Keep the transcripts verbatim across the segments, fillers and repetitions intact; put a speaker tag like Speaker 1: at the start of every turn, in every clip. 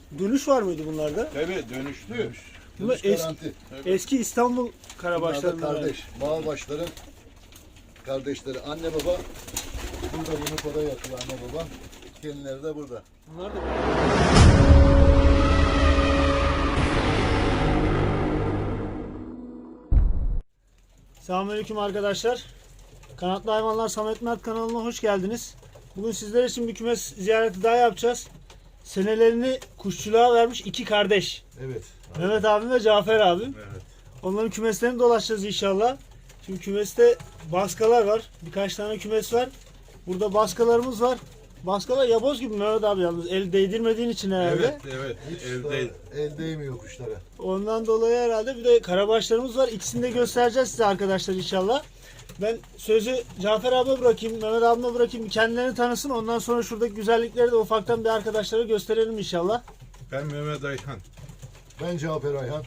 Speaker 1: Dönüş var mıydı bunlarda?
Speaker 2: Evet, dönüşlü.
Speaker 1: Bunlar
Speaker 3: Dönüş
Speaker 1: es-
Speaker 3: garanti.
Speaker 1: eski İstanbul
Speaker 3: Bunlar da
Speaker 1: karabaşlarından.
Speaker 3: kardeş. Bağbaşların kardeşleri. Anne baba. Burada bunu koda yatıyor anne baba. Kendileri de burada.
Speaker 1: Bunlar da Selamünaleyküm arkadaşlar. Kanatlı Hayvanlar Samet Mert kanalına hoş geldiniz. Bugün sizler için bir kümes ziyareti daha yapacağız. Senelerini kuşçuluğa vermiş iki kardeş.
Speaker 3: Evet.
Speaker 1: Mehmet abim ve Cafer abim.
Speaker 2: Evet.
Speaker 1: Onların kümeslerini dolaşacağız inşallah. Şimdi kümeste baskalar var. Birkaç tane kümes var. Burada baskalarımız var. Baskalar yaboz gibi Mehmet abi yalnız. El değdirmediğin için herhalde.
Speaker 2: Evet, evet.
Speaker 3: Hiç
Speaker 2: Evde.
Speaker 3: el değmiyor kuşlara.
Speaker 1: Ondan dolayı herhalde bir de karabaşlarımız var. İkisini de göstereceğiz size arkadaşlar inşallah. Ben sözü Cafer abiye bırakayım, Mehmet abime bırakayım. Kendilerini tanısın. Ondan sonra şuradaki güzellikleri de ufaktan bir arkadaşlara gösterelim inşallah.
Speaker 2: Ben Mehmet Ayhan.
Speaker 3: Ben Cafer Ayhan.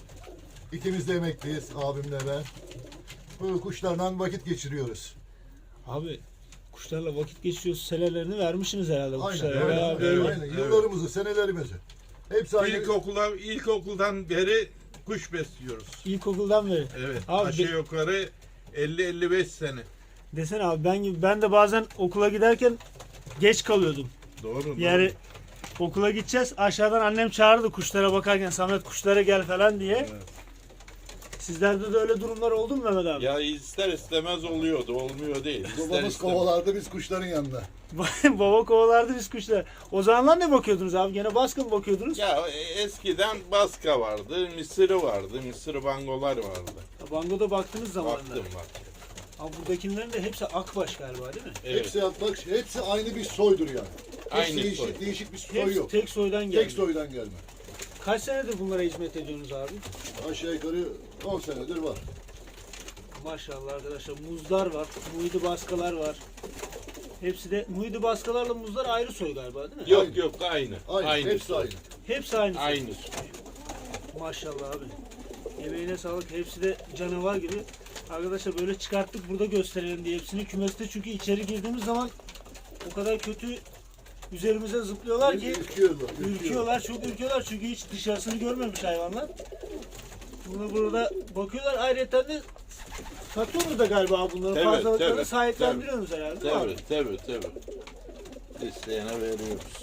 Speaker 3: İkimiz de emekliyiz abimle ben. Bu kuşlarla vakit geçiriyoruz.
Speaker 1: Abi kuşlarla vakit geçiriyoruz. Senelerini vermişsiniz herhalde bu
Speaker 3: Aynen,
Speaker 1: kuşlara.
Speaker 3: aynen,
Speaker 1: Bayağı
Speaker 3: aynen,
Speaker 1: böyle.
Speaker 2: evet.
Speaker 3: aynen. Yıllarımızı, senelerimizi. Hepsi aynı.
Speaker 2: İlkokula, ilkokuldan beri kuş besliyoruz.
Speaker 1: İlkokuldan beri.
Speaker 2: Evet.
Speaker 1: Abi,
Speaker 2: aşağı
Speaker 1: bir-
Speaker 2: yukarı elli elli beş sene.
Speaker 1: Desene abi ben gibi ben de bazen okula giderken geç kalıyordum.
Speaker 2: Doğru.
Speaker 1: Yani
Speaker 2: doğru.
Speaker 1: okula gideceğiz. Aşağıdan annem çağırdı kuşlara bakarken Samet kuşlara gel falan diye.
Speaker 2: Evet.
Speaker 1: Sizlerde de öyle durumlar oldu mu Mehmet abi?
Speaker 2: Ya ister istemez oluyordu. Olmuyor değil. İster
Speaker 3: Babamız
Speaker 2: istemez.
Speaker 3: kovalardı biz kuşların yanında.
Speaker 1: Baba kovalardı biz kuşlara. O zamanlar ne bakıyordunuz abi? Gene baskın mı bakıyordunuz?
Speaker 2: Ya eskiden baska vardı, mısırı vardı, mısır bangolar vardı.
Speaker 1: Bango'da baktığınız zamanlar.
Speaker 2: Baktım baktım.
Speaker 1: Abi buradakilerin de hepsi akbaş galiba değil mi?
Speaker 2: Evet.
Speaker 3: Hepsi bak hepsi aynı bir soydur yani. Hiç
Speaker 2: Aynı
Speaker 3: değişik,
Speaker 2: soy.
Speaker 3: değişik bir soy
Speaker 1: Hepsi
Speaker 3: yok.
Speaker 1: tek soydan geldi.
Speaker 3: Tek soydan gelme.
Speaker 1: Kaç senedir bunlara hizmet ediyorsunuz abi?
Speaker 3: Aşağı yukarı on senedir var.
Speaker 1: Maşallah arkadaşlar muzlar var, muhidi baskalar var. Hepsi de muhidi baskalarla muzlar ayrı soy galiba değil mi?
Speaker 2: Yok
Speaker 3: Aynı.
Speaker 2: yok aynı.
Speaker 3: Aynı, hepsi
Speaker 2: soy.
Speaker 3: aynı.
Speaker 1: Hepsi aynı soy.
Speaker 2: Aynı soy.
Speaker 1: Maşallah abi. Emeğine sağlık. Hepsi de canavar gibi. Arkadaşlar böyle çıkarttık burada gösterelim diye hepsini kümeste çünkü içeri girdiğimiz zaman o kadar kötü üzerimize zıplıyorlar ki
Speaker 3: Ürküyorlar.
Speaker 1: ürküyorlar, çok ürküyorlar çünkü hiç dışarısını görmemiş hayvanlar. Bunu burada bakıyorlar. Ayrıca de satıyorsunuz da galiba bunları
Speaker 2: Evet,
Speaker 1: fazlalıklarını
Speaker 2: tabii,
Speaker 1: sahiplendiriyorsunuz herhalde değil mi abi?
Speaker 2: Tabii tabii tabii. İsteyene veriyoruz.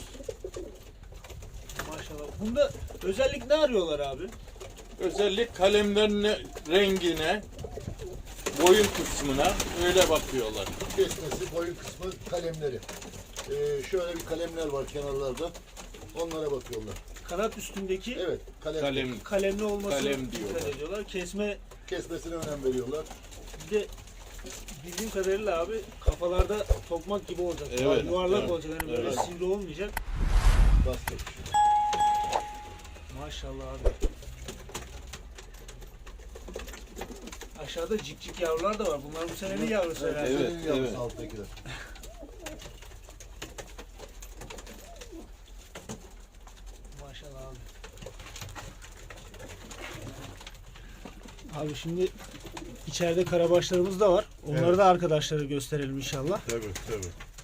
Speaker 1: Maşallah. Bunda özellik ne arıyorlar abi?
Speaker 2: Özellik kalemlerin rengine, boyun kısmına öyle bakıyorlar.
Speaker 3: Kesmesi, boyun kısmı, kalemleri. Ee, şöyle bir kalemler var kenarlarda. Onlara bakıyorlar.
Speaker 1: Kanat üstündeki
Speaker 3: Evet, kalem.
Speaker 2: Kalem
Speaker 1: kalemli olmasını
Speaker 2: Kalem
Speaker 1: dikkat
Speaker 2: diyorlar.
Speaker 1: ediyorlar. Kesme
Speaker 3: Kesmesine önem veriyorlar.
Speaker 1: bir de bildiğim kadarıyla abi kafalarda tokmak gibi olacak.
Speaker 2: Evet,
Speaker 1: Yuvarlak
Speaker 2: evet,
Speaker 1: olacak. Yani böyle
Speaker 2: evet.
Speaker 1: sivri olmayacak.
Speaker 3: Basket.
Speaker 1: Maşallah abi. Aşağıda cikcik yavrular da var. Bunlar bu senenin yavrusu herhalde.
Speaker 2: Evet,
Speaker 3: Senin yavrusu
Speaker 2: evet.
Speaker 3: alttakiler.
Speaker 1: Maşallah abi. Abi şimdi içeride karabaşlarımız da var. Onları
Speaker 2: Evet.
Speaker 1: da arkadaşlara gösterelim inşallah.
Speaker 2: Tabii tabii.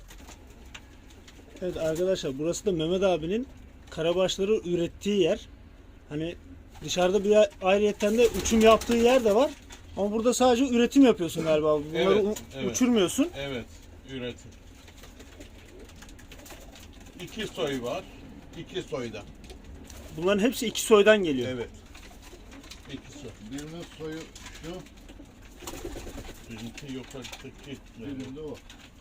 Speaker 1: Evet arkadaşlar burası da Mehmet abinin karabaşları ürettiği yer. Hani dışarıda bir yer, ayrıyetten de uçum yaptığı yer de var. Ama burada sadece üretim yapıyorsun galiba. Bunları
Speaker 2: Evet,
Speaker 1: u-
Speaker 2: evet.
Speaker 1: uçurmuyorsun.
Speaker 2: Evet, üretim. İki soy var. İki soyda.
Speaker 1: Bunların hepsi iki soydan geliyor.
Speaker 2: Evet. İki soy.
Speaker 3: Birinin soyu şu,
Speaker 2: Bizimki yukarıdaki.
Speaker 3: birinin de o.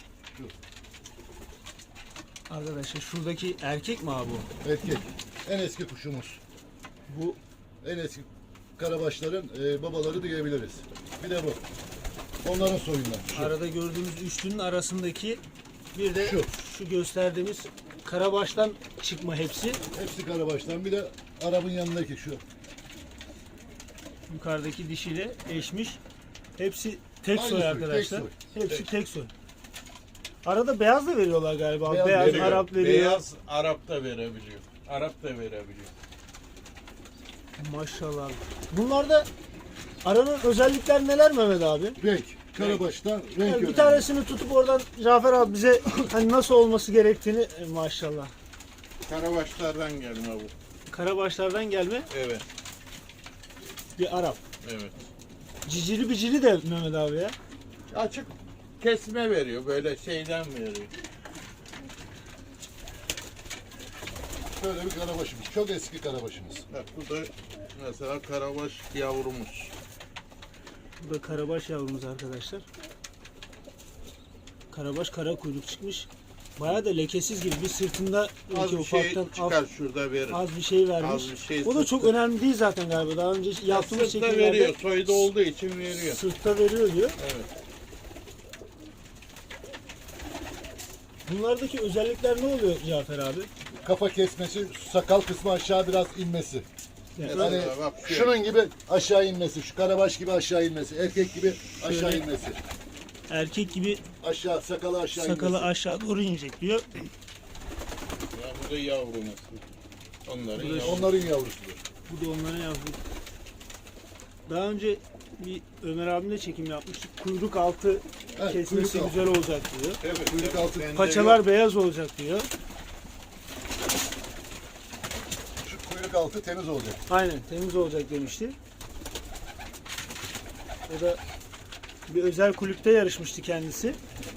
Speaker 1: Arkadaşlar şuradaki erkek mi abi bu?
Speaker 3: Erkek. En eski kuşumuz.
Speaker 1: Bu
Speaker 3: En eski karabaşların e, babaları diyebiliriz. Bir de bu. Onların soyundan. Şu.
Speaker 1: arada gördüğümüz üçlünün arasındaki bir de şu,
Speaker 3: Şu.
Speaker 1: gösterdiğimiz karabaştan çıkma hepsi.
Speaker 3: Hepsi karabaştan. Bir de Arap'ın yanındaki şu.
Speaker 1: Yukarıdaki dişiyle eşmiş. Hepsi tek
Speaker 3: Aynı
Speaker 1: soy
Speaker 3: soy,
Speaker 1: arkadaşlar.
Speaker 3: tek
Speaker 1: Hepsi
Speaker 3: Tek.
Speaker 1: tek soy. Arada beyaz da veriyorlar galiba. Beyaz,
Speaker 3: Beyaz veriyor.
Speaker 1: Arap veriyor.
Speaker 2: Beyaz Arap da verebiliyor. Arap da verebiliyor.
Speaker 1: Maşallah. Bunlarda aranın özellikler neler Mehmet abi?
Speaker 3: Renk. Karabaştan renk
Speaker 1: Yani bir
Speaker 3: önemli.
Speaker 1: tanesini tutup oradan Cafer abi bize hani nasıl olması gerektiğini e, maşallah.
Speaker 2: Karabaşlardan gelme bu.
Speaker 1: Karabaşlardan gelme
Speaker 2: Evet,
Speaker 1: bir Arap.
Speaker 2: evet.
Speaker 1: Cicili bicili de Mehmet abi ya.
Speaker 2: Açık kesme veriyor, böyle şeyden veriyor.
Speaker 3: Şöyle bir karabaşımız. Çok eski karabaşımız.
Speaker 2: Bak bu da mesela karabaş yavrumuz.
Speaker 1: Bu da karabaş yavrumuz arkadaşlar. Karabaş kara kuyruk çıkmış. Bayağı da lekesiz gibi bir sırtında
Speaker 2: Az
Speaker 1: belki
Speaker 2: bir şey
Speaker 1: ufaktan
Speaker 2: çıkar
Speaker 1: az,
Speaker 2: şurada verir.
Speaker 1: az bir şey vermiş.
Speaker 2: Az bir şey
Speaker 1: O da çok
Speaker 2: sırtta.
Speaker 1: önemli değil zaten galiba. Daha önce yaptığımız
Speaker 2: Sırtta
Speaker 1: şekillerde
Speaker 2: veriyor, soyda olduğu için veriyor.
Speaker 1: sırtta veriyor diyor.
Speaker 2: Evet.
Speaker 1: Bunlardaki özellikler ne oluyor Cafer abi?
Speaker 3: Kafa kesmesi, sakal kısmı aşağı biraz inmesi.
Speaker 1: Yani
Speaker 2: Mesela
Speaker 3: Hani
Speaker 2: bak şu-
Speaker 3: şunun gibi aşağı inmesi, şu karabaş gibi aşağı inmesi, erkek gibi aşağı
Speaker 1: Şöyle-
Speaker 3: inmesi.
Speaker 1: erkek gibi
Speaker 3: Aşağı, sakalı aşağı
Speaker 1: sakalı
Speaker 3: inmesi.
Speaker 1: aşağı doğru inecek diyor.
Speaker 2: Ya bu da yavrumuz. Onların
Speaker 1: Bu da-
Speaker 2: yavrusu.
Speaker 3: Onların yavrusudur.
Speaker 1: Bu da onların yavru. Daha önce bir Ömer abimle çekim yapmıştık. Kuyruk altı
Speaker 3: Evet,
Speaker 1: kesmesi
Speaker 3: kuyruk altı.
Speaker 1: güzel olacak diyor.
Speaker 2: Evet,
Speaker 3: Kuyruk
Speaker 2: evet,
Speaker 3: altı-
Speaker 2: bende
Speaker 1: Paçalar
Speaker 2: yok.
Speaker 1: beyaz olacak diyor.
Speaker 3: Şu kuyruk altı temiz olacak.
Speaker 1: Aynen temiz olacak demişti. O da bir özel kulüpte yarışmıştı kendisi.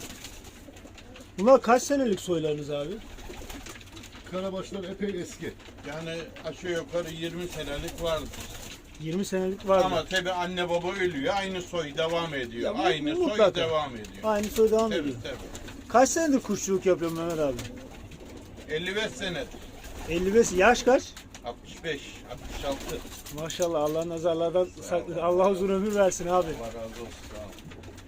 Speaker 1: Bunlar kaç senelik soylarınız abi?
Speaker 3: Karabaşlar epey eski.
Speaker 2: Yani aşağı yukarı yirmi senelik vardır.
Speaker 1: yirmi senelik var mı?
Speaker 2: Ama tabi anne baba ölüyor, aynı soy devam ediyor.
Speaker 1: Ya bu-
Speaker 2: aynı
Speaker 1: bu
Speaker 2: soy
Speaker 1: mutlaka.
Speaker 2: devam ediyor.
Speaker 1: Aynı soy devam
Speaker 2: Tabii
Speaker 1: ediyor.
Speaker 2: tabii.
Speaker 1: Kaç senedir kuşçuluk yapıyorsun Mehmet abi?
Speaker 2: elli beş sene,
Speaker 1: elli beş. Yaş kaç?
Speaker 2: altmış beş, altmış altı.
Speaker 1: Maşallah Allah nazarlardan saklasın. Allah uzun ömür versin abi.
Speaker 2: Allah razı olsun. Sağ ol.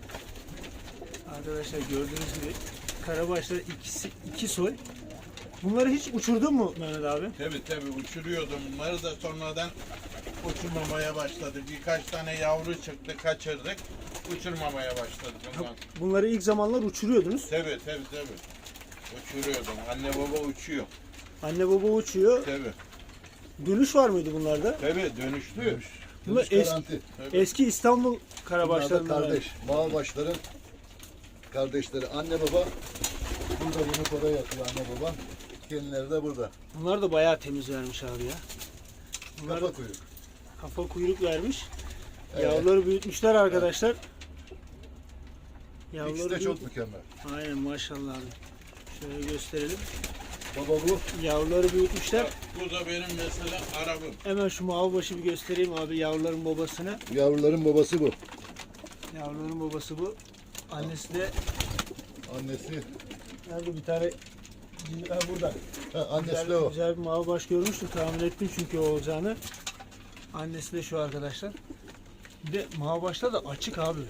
Speaker 1: Arkadaşlar gördüğünüz gibi karabaşlar ikisi iki soy. Bunları hiç uçurdun mu Mehmet abi?
Speaker 2: Tabii tabii uçuruyordum bunları da sonradan uçurmamaya başladık. Birkaç tane yavru çıktı, kaçırdık. Uçurmamaya başladık bundan.
Speaker 1: Bunları ilk zamanlar uçuruyordunuz.
Speaker 2: Tabii tabii tabii. Uçuruyordum. Anne baba uçuyor.
Speaker 1: Anne baba uçuyor.
Speaker 2: Tabii.
Speaker 1: Dönüş var mıydı bunlarda?
Speaker 2: Tabii dönüşlü.
Speaker 1: Bunlar
Speaker 3: Dönüş
Speaker 1: eski,
Speaker 3: garanti.
Speaker 2: Tabii.
Speaker 1: eski İstanbul
Speaker 3: Bunlar da
Speaker 1: karabaşlarından.
Speaker 3: kardeş. Mağabaşların kardeşleri. Anne baba burada yumurtada yatıyor anne baba. Kendileri de burada.
Speaker 1: Bunlar da bayağı temiz vermiş abi ya. Bunlar
Speaker 3: Kafa kuyruk.
Speaker 1: kafa kuyruk vermiş.
Speaker 3: Evet.
Speaker 1: Yavruları büyütmüşler arkadaşlar.
Speaker 3: İkisi
Speaker 1: Yavruları
Speaker 3: de çok
Speaker 1: büyüt-
Speaker 3: mükemmel.
Speaker 1: Aynen maşallah abi. Şöyle gösterelim.
Speaker 3: Baba bu.
Speaker 1: Yavruları büyütmüşler.
Speaker 2: Bak, bu da benim mesela arabım.
Speaker 1: Hemen şu mavi başı bir göstereyim abi yavruların babasını.
Speaker 3: Yavruların babası bu.
Speaker 1: Yavruların babası bu. Annesi de
Speaker 3: Annesi.
Speaker 1: nerede bir tane ha, burada.
Speaker 3: Ha, annesi
Speaker 1: Güzel,
Speaker 3: de o.
Speaker 1: güzel bir mavi baş görmüştüm. Tahmin ettim çünkü o olacağını. Annesi de şu arkadaşlar. Bir de mavi başlar da açık abi.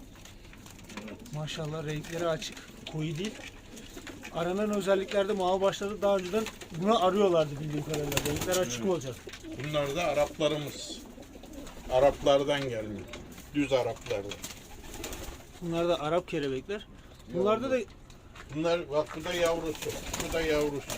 Speaker 1: Maşallah renkleri açık. Koyu değil. Aranan özelliklerde mavi başları daha önceden buna arıyorlardı bildiğim kadarıyla. Renkler açık olacak.
Speaker 2: Bunlar da Araplarımız. Araplardan gelmiyor. Düz Araplardan.
Speaker 1: Bunlar da Arap kelebekler. Bunlarda da
Speaker 2: Bunlar bak bu da yavrusu. Bu da yavrusu.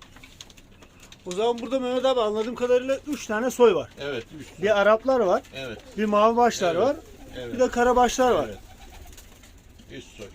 Speaker 1: o zaman burada Mehmet abi anladığım kadarıyla üç tane soy var.
Speaker 2: Evet. Üç.
Speaker 1: Bir Araplar var,
Speaker 2: Evet.
Speaker 1: bir mavi başlar
Speaker 2: Evet.
Speaker 1: var,
Speaker 2: Evet.
Speaker 1: bir de karabaşlar var.
Speaker 2: Evet. Üst soy.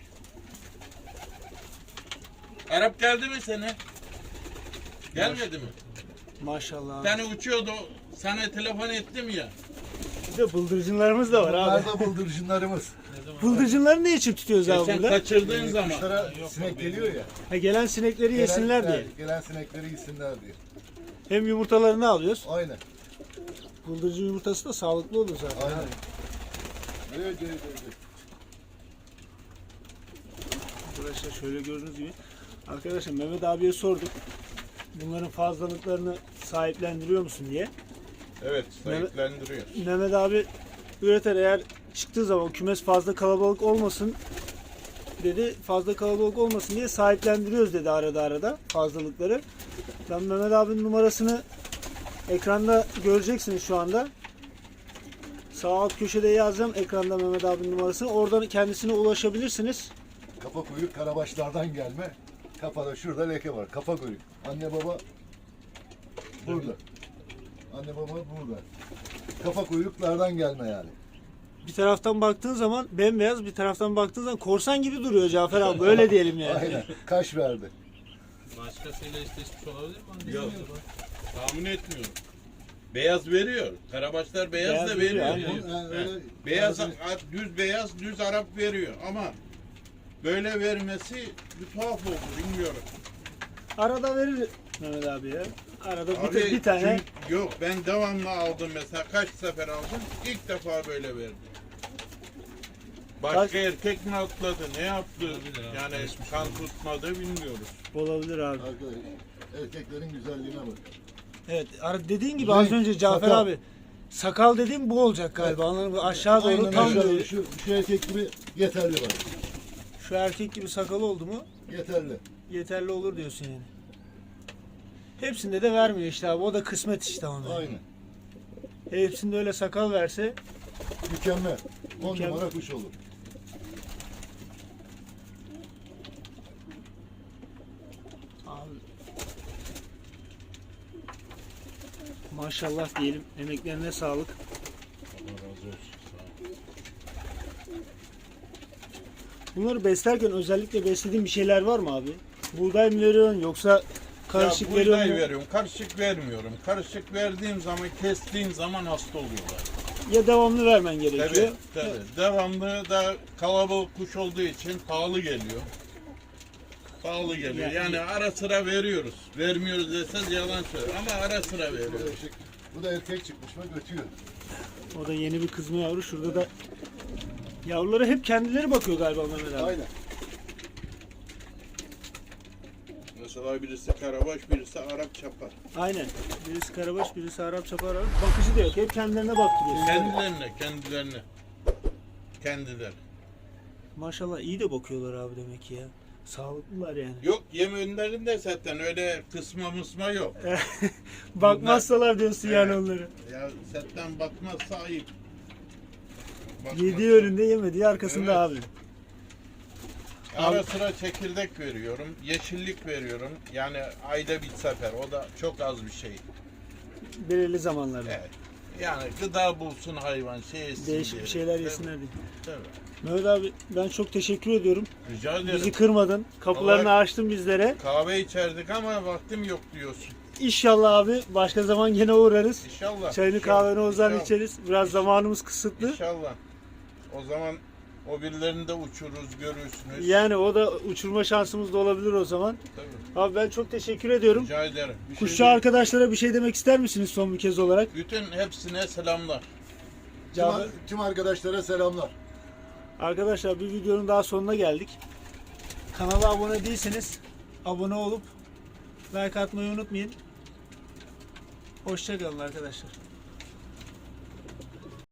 Speaker 2: Arap geldi mi sana? Gelmedi mi?
Speaker 1: Maşallah abi.
Speaker 2: Seni uçuyordu. Sana telefon ettim ya.
Speaker 1: Bir de bıldırcınlarımız da var
Speaker 3: Bunlar
Speaker 1: abi.
Speaker 3: da bıldırcınlarımız.
Speaker 1: Bıldırcınları ne için tutuyoruz
Speaker 2: Ya
Speaker 1: abi
Speaker 2: sen
Speaker 1: burada?
Speaker 2: kaçırdığın zaman.
Speaker 3: Kuşlara sinek geliyor ya.
Speaker 1: Ha, gelen sinekleri yesinler
Speaker 3: Gelen-
Speaker 1: diye.
Speaker 3: evet, Gelen sinekleri yesinler diye.
Speaker 1: Hem yumurtalarını alıyoruz.
Speaker 3: Aynen.
Speaker 1: Bıldırcın yumurtası da sağlıklı olur zaten.
Speaker 3: Aynen.
Speaker 1: abi.
Speaker 3: Evet, evet, evet.
Speaker 1: Arkadaşlar şöyle gördüğünüz gibi. Arkadaşlar Mehmet abiye sorduk. Bunların fazlalıklarını sahiplendiriyor musun diye.
Speaker 2: Evet, sahiplendiriyor.
Speaker 1: Mehmet abi üreter eğer çıktığı zaman kümes fazla kalabalık olmasın dedi. Fazla kalabalık olmasın diye sahiplendiriyoruz dedi arada arada fazlalıkları. Ben Mehmet abinin numarasını ekranda göreceksiniz şu anda. Sağ alt köşede yazacağım ekranda Mehmet abinin numarasını. Oradan kendisine ulaşabilirsiniz.
Speaker 3: Kafa kuyruk karabaşlardan gelme. Kafada şurada leke var. Kafa kuyruk. Anne baba burada. Anne baba burada. Kafa kuyruklardan gelme yani.
Speaker 1: Bir taraftan baktığın zaman bembeyaz, bir taraftan baktığın zaman korsan gibi duruyor Cafer abi. Böyle diyelim yani.
Speaker 3: Aynen. Kaş verdi.
Speaker 2: Maşallah.
Speaker 4: başkasıyla eşleşmiş olabilir mi? Onu
Speaker 2: Yok.
Speaker 4: bilmiyorum.
Speaker 2: Tahmin etmiyorum. Beyaz veriyor. Karabaşlar beyaz,
Speaker 1: Beyaz
Speaker 2: da
Speaker 1: veriyor,
Speaker 2: veriyor.
Speaker 1: aynen.
Speaker 3: Ha,
Speaker 2: He.
Speaker 3: öyle-
Speaker 2: Beyaz,
Speaker 3: bazı-
Speaker 2: düz beyaz, düz Arap veriyor ama böyle vermesi bir tuhaf oldu, bilmiyorum.
Speaker 1: Arada verir Mehmet abi ya. Arada bir,
Speaker 2: Abi,
Speaker 1: bir tane.
Speaker 2: çünkü- yok, ben devamlı aldım mesela, kaç sefer aldım, ilk defa böyle verdi. Başka
Speaker 1: Kaç-
Speaker 2: erkek mi atladı, ne yaptı?
Speaker 4: Olabilir abi,
Speaker 2: Yani
Speaker 4: karışmış
Speaker 2: kan
Speaker 4: olabilir.
Speaker 2: tutmadı bilmiyoruz.
Speaker 1: Olabilir abi.
Speaker 3: Arkadaş, erkeklerin güzelliğine bak.
Speaker 1: Evet, ara- dediğin gibi
Speaker 3: Renk,
Speaker 1: az önce Cafer
Speaker 3: sakal.
Speaker 1: abi. Sakal dediğim bu olacak galiba. Anladın mı? Aşağı doğru
Speaker 3: Aynen
Speaker 1: tam
Speaker 3: öyle.
Speaker 1: böyle.
Speaker 3: Şu, şu erkek gibi yeterli bak.
Speaker 1: Şu erkek gibi sakalı oldu mu
Speaker 3: Yeterli.
Speaker 1: yeterli olur diyorsun yani. Hepsinde de vermiyor işte abi. O da kısmet işte ona.
Speaker 3: Aynen.
Speaker 1: Hepsinde öyle sakal verse
Speaker 3: Mükemmel. On
Speaker 1: Mükemmel.
Speaker 3: numara kuş olur.
Speaker 1: abi maşallah diyelim. Emeklerine sağlık.
Speaker 2: Allah razı olsun.
Speaker 1: Bunları beslerken özellikle beslediğin bir şeyler var mı abi? Buğday mı veriyorsun yoksa karışık
Speaker 2: ya,
Speaker 1: veriyor
Speaker 2: buğday
Speaker 1: mu?
Speaker 2: veriyorum, karışık vermiyorum. Karışık verdiğim zaman, kestiğim zaman hasta oluyorlar.
Speaker 1: Ya devamlı vermen gerekiyor.
Speaker 2: Tabii, tabii. Devamlı da kalabalık kuş olduğu için pahalı geliyor. Pahalı geliyor.
Speaker 1: Yani-
Speaker 2: Yani ara sıra veriyoruz. Vermiyoruz deseniz yalan söyler ama ara sıra
Speaker 3: Bu da,
Speaker 2: veriyoruz.
Speaker 3: erkek, bu da erkek çıkmış mı götüyor.
Speaker 1: O da yeni bir kızma yavru. Şurada da yavrulara hep kendileri bakıyor galiba Mehmet abi.
Speaker 3: Aynen.
Speaker 2: Mesela birisi karabaş, birisi Arap çapar.
Speaker 1: Aynen. Birisi karabaş, birisi Arap çapar. Arap. Bakıcı da yok. Hep kendilerine baktırıyor.
Speaker 2: Kendilerine, kendilerine. Kendileri.
Speaker 1: Maşallah iyi de bakıyorlar abi demek ki ya. Sağlıklılar yani.
Speaker 2: Yok, yem önlerinde zaten öyle kısma mısma yok.
Speaker 1: Bakmazsalar diyorsun yani
Speaker 2: Evet.
Speaker 1: onları.
Speaker 2: Ya setten bakmazsa ayıp. Bakmazsa-
Speaker 1: Yediği önünde yemediği arkasında
Speaker 2: Evet.
Speaker 1: abi.
Speaker 2: Ara sıra çekirdek veriyorum, yeşillik veriyorum. Yani ayda bir sefer. O da çok az bir şey.
Speaker 1: Belirli zamanlarda.
Speaker 2: Evet. Yani gıda bulsun hayvan, şey yesin
Speaker 1: Değişik
Speaker 2: diye.
Speaker 1: bir şeyler
Speaker 2: Tabii,
Speaker 1: yesinler diye.
Speaker 2: tabii.
Speaker 1: Mehmet abi ben çok teşekkür ediyorum.
Speaker 2: Rica ederim.
Speaker 1: Bizi kırmadın. Kapılarını
Speaker 2: Allah-
Speaker 1: açtın bizlere.
Speaker 2: Kahve içerdik ama vaktim yok diyorsun.
Speaker 1: İnşallah abi başka zaman yine uğrarız.
Speaker 2: İnşallah.
Speaker 1: Çayını
Speaker 2: İnşallah,
Speaker 1: kahveni ozan
Speaker 2: inşallah,
Speaker 1: içeriz. Biraz zamanımız kısıtlı.
Speaker 2: İnşallah. O zaman o birilerini de uçururuz, görürsünüz.
Speaker 1: Yani o da uçurma şansımız da olabilir o zaman.
Speaker 2: Tabii.
Speaker 1: Abi ben çok teşekkür ediyorum.
Speaker 2: Rica ederim. Bir şey
Speaker 1: Kuşçu
Speaker 2: değil.
Speaker 1: arkadaşlara bir şey demek ister misiniz son bir kez olarak?
Speaker 2: Bütün hepsine selamlar.
Speaker 3: Tüm,
Speaker 1: Cafer-
Speaker 3: tüm arkadaşlara selamlar.
Speaker 1: Arkadaşlar bir videonun daha sonuna geldik. Kanala abone değilseniz abone olup like atmayı unutmayın. Hoşça kalın arkadaşlar.